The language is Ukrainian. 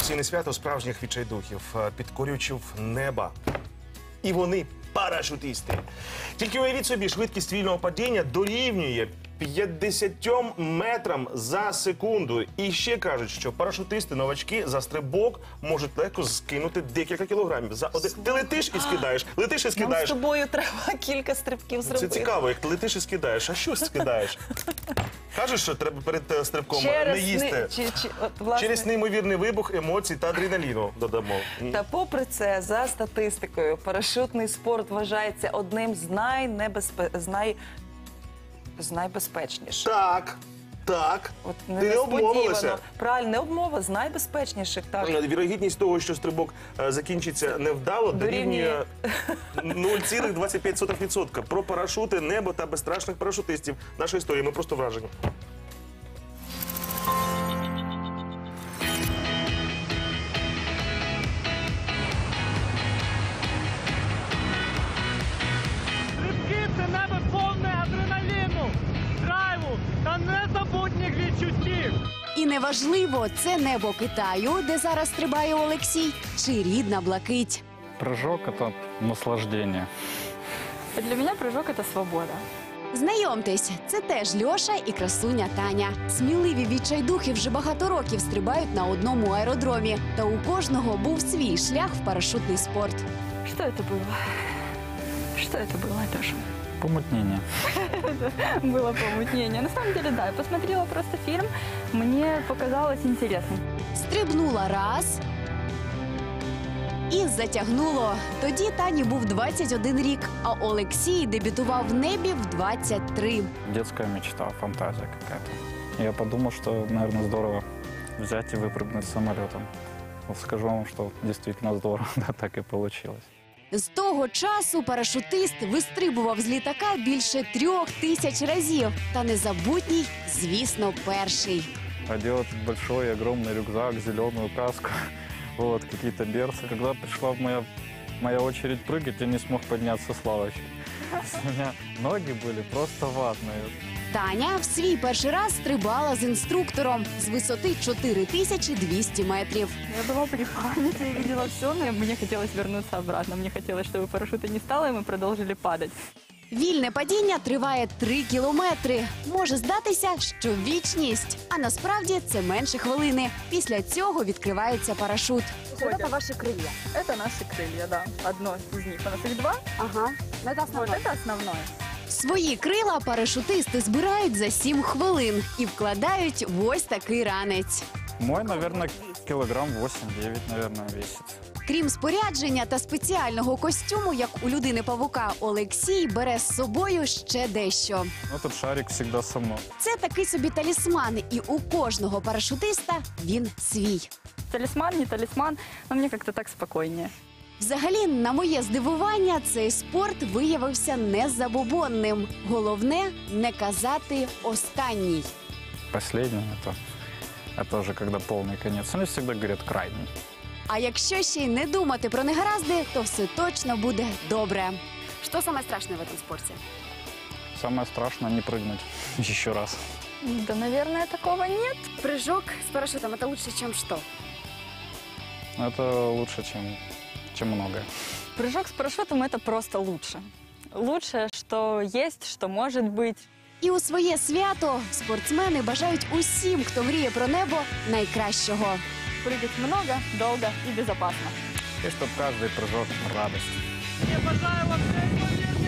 Професійне свято справжніх відчайдухів, підкорювачів неба. І вони парашутисти. Тільки уявіть собі, швидкість вільного падіння дорівнює 50 метрам за секунду. І ще кажуть, що парашутисти-новачки за стрибок можуть легко скинути декілька кілограмів. Ти летиш і скидаєш, летиш і скидаєш. Нам з тобою треба кілька стрибків зробити. Це цікаво, як ти летиш і скидаєш. А що скидаєш? Кажеш, що треба перед стрибком не їсти. Через неймовірний вибух емоцій та адреналіну додамо. Та попри це, за статистикою, парашутний спорт вважається одним з найбезпечніших. Так. От Ти не обмовилася. Правильно, не обмова, з найбезпечніших. Так. Вірогідність того, що стрибок закінчиться невдало, дорівнює 0,25%. Про парашути, небо та безстрашних парашутистів. Наша історія, ми просто вражені. Стрибки – це небо повне адреналіну, драйву та незабутніх відчуттів. І неважливо, це небо Китаю, де зараз стрибає Олексій, чи рідна Блакить. Прыжок – это наслаждение. Для меня прыжок – это свобода. Знайомтесь, це теж Льоша і красуня Таня. Сміливі відчайдухи вже багато років стрибають на одному аеродромі. Та у кожного був свій шлях в парашутний спорт. Что это было? Что это было, Леша? Помутнение. Было помутнение. На самом деле, да, я посмотрела просто фильм, мне показалось интересным. Стрибнула раз і затягнуло. Тоді Тані був 21 рік, а Олексій дебютував в небі в 23. Детская мечта, фантазия какая-то. Я подумал, что, наверное, здорово взять и выпрыгнуть самолетом. Вот скажу вам, что действительно здорово, да, так и получилось. З того часу парашутист вистрибував з літака більше 3000 разів. Та незабутній, звісно, перший. Одел этот большой, огромный рюкзак, зеленую каску, вот, какие-то берцы. Когда пришла моя очередь прыгать, я не смог подняться с лавочки. У меня ноги были просто ватные. Таня в свій перший раз стрибала з інструктором з висоти 4200 метрів. Я была при памяти, я видела все, но мне хотелось вернуться обратно. Мне хотелось, чтобы парашюта не стало, и мы продолжили падать. Вільне падіння триває 3 кілометри. Може здатися, що вічність. А насправді це менше хвилини. Після цього відкривається парашут. Это ваши крылья? Это наши крылья, да. Одно из них. У нас их два. Ага, це Вот это основное. Свої крила парашутисти збирають за 7 хвилин і вкладають в ось такий ранець. Мой, наверное, килограмм 8-9, наверное, весит. Крім спорядження та спеціального костюму, як у людини-павука, Олексій бере з собою ще дещо. Этот шарик всегда со мной. Це такий собі талісман, і у кожного парашутиста він свій. Талисман, не талисман, но мне как-то так спокойнее. Взагалі, на моє здивування, цей спорт виявився незабобонним. Головне – не казати «останній». Последний это уже когда полный конец. Они всегда говорят крайний. А якщо ще й не думати про негаразди, то все точно буде добре. Что самое страшное в этом спорте? Самое страшное не прыгнуть еще раз. Да, наверное, такого нет. Прыжок с парашютом – это лучше, чем что? Это лучше, чем многое. Прыжок с парашютом – это просто лучше. Лучшее, что есть, что может быть. І у своє свято спортсмени бажають усім, хто мріє про небо, найкращого. Прыгать много, долго и безопасно. И чтобы каждый прыжок – радость. Я бажаю вам неймовірно